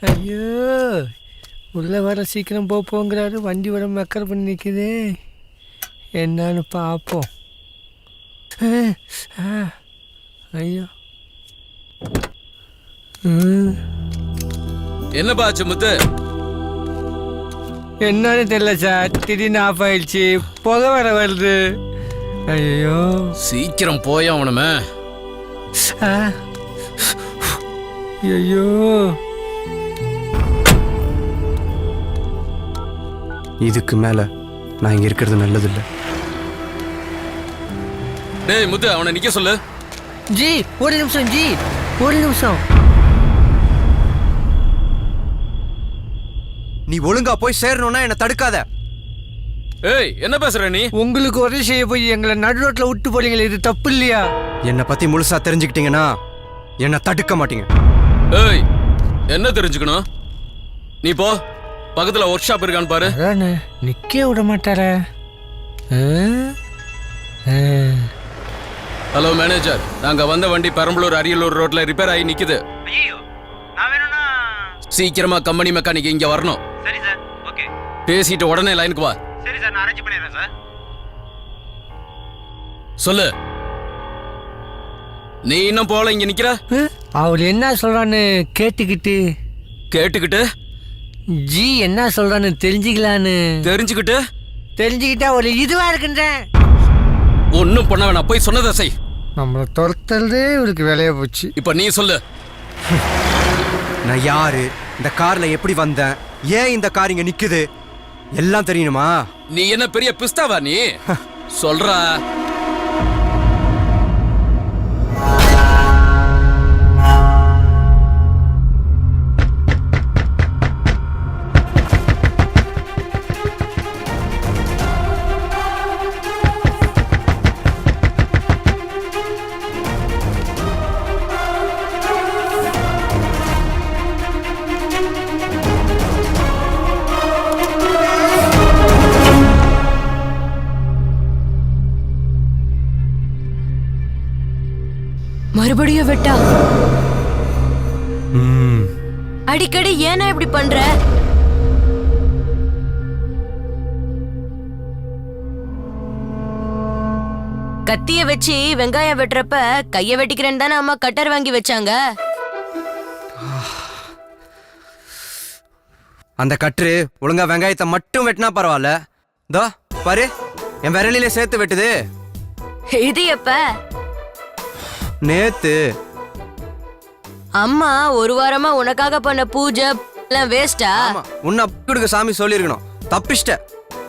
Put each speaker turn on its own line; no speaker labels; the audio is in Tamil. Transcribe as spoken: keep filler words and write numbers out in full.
ஐயோ, உள்ளே வர சீக்கிரம் போ போங்கிறாரு, வண்டி வர மக்கர் பண்ணி நிற்குது. என்னன்னு பார்ப்போம். ஐயோ,
என்னப்பா ஆச்சு முத்து?
என்னன்னு தெரியல சார், திடீர்னு ஆஃப் ஆயிடுச்சு, புகை வர வருது. ஐயோ,
சீக்கிரம் போய் அவனுமே.
ஐயோ,
இதுக்கு மேல நான் இங்க இருக்கிறது நல்லதில்லை.
டேய் முத்து, அவனை நிக்க சொல்லு.
ஜி ஒரு நிமிஷம், ஜி ஒரு நிமிஷம்.
நீ ஒழுங்கா போய் சேரணும்னா என்ன தடுக்காத.
ஏய், என்ன பேசுற நீ?
உங்களுக்கு உதவி செய்ய போய் எங்களை நடு ரோட்ல விட்டு போறீங்களே, இது தப்பு இல்லையா?
என்னை பத்தி முழுசா தெரிஞ்சுக்கிட்டீங்கன்னா என்ன தடுக்க மாட்டீங்க.
ஏய், என்ன தெரிஞ்சுக்கணும்? நீ போ, பக்கத்துல ஒர்க் ஷாப் இருக்கான்னு பாரு.
அதானே, நிக்க விட மாட்டார.
ஹலோ மேனேஜர், நாங்க வந்த வண்டி பெரம்பலூர் அரியலூர் ரோட்ல ரிப்பேர் ஆகி நிக்குது.
ஐயோ, நான் வேணும்னா
சீக்கிரமா கம்பெனி மெக்கானிக் இங்க வரணும்.
சரி சார், ஓகே.
பேசிட்டு உடனே லைனுக்கு வா.
சரி சார், நான் அரேஞ்ச் பண்ணிடுறேன் சார்.
சொல்லு. நீ இன்னும் போல இங்க நிக்கிற?
அவர் என்ன சொல்றான்னு கேட்டுக்கிட்டு
கேட்டுக்கிட்டு
ஜி என்ன சொல்றான்னு தெரிஞ்சுக்கலான்னு
தெரிஞ்சுக்கிட்டு
தெரிஞ்சுக்கிட்டா ஒரு இதுவா இருக்குன்றேன்.
ஒன்னும் பண்ண வேணாம், போய் சொன்னதை செய்.
நம்மளை துரத்துறதே இவருக்கு வேலையா போச்சு.
இப்ப நீ சொல்லு.
நான் யாரு, இந்த கார்ல எப்படி வந்தேன், ஏன் இந்த கார் இங்க நிக்குது, எல்லாம் தெரியணுமா?
நீ என்ன பெரிய பிஸ்தாவா நீ? சொல்றா.
மறுபடியும் வெட்டா?
ம்,
அடிக்கடி ஏன்னா இப்படி பண்ற? கத்திய வச்சு வெங்காயம் வெட்டுறப்ப கைய வெட்டிக்கிறேன்னு தானே அம்மா கட்டர் வாங்கி வச்சாங்க.
அந்த கற்று ஒழுங்கா வெங்காயத்தை மட்டும் வெட்டினா பரவாயில்ல. தோ பாரு, என் விரலிலே சேர்த்து வெட்டுது.
இது எப்ப?
நேத்து.
அம்மா ஒரு வாரமா உனக்காக பண்ண பூஜை எல்லாம் வேஸ்டா?
ஆமா, உன்னை கொடுக்க சாமி சொல்லிருக்கணும், தப்பிச்சிட்ட.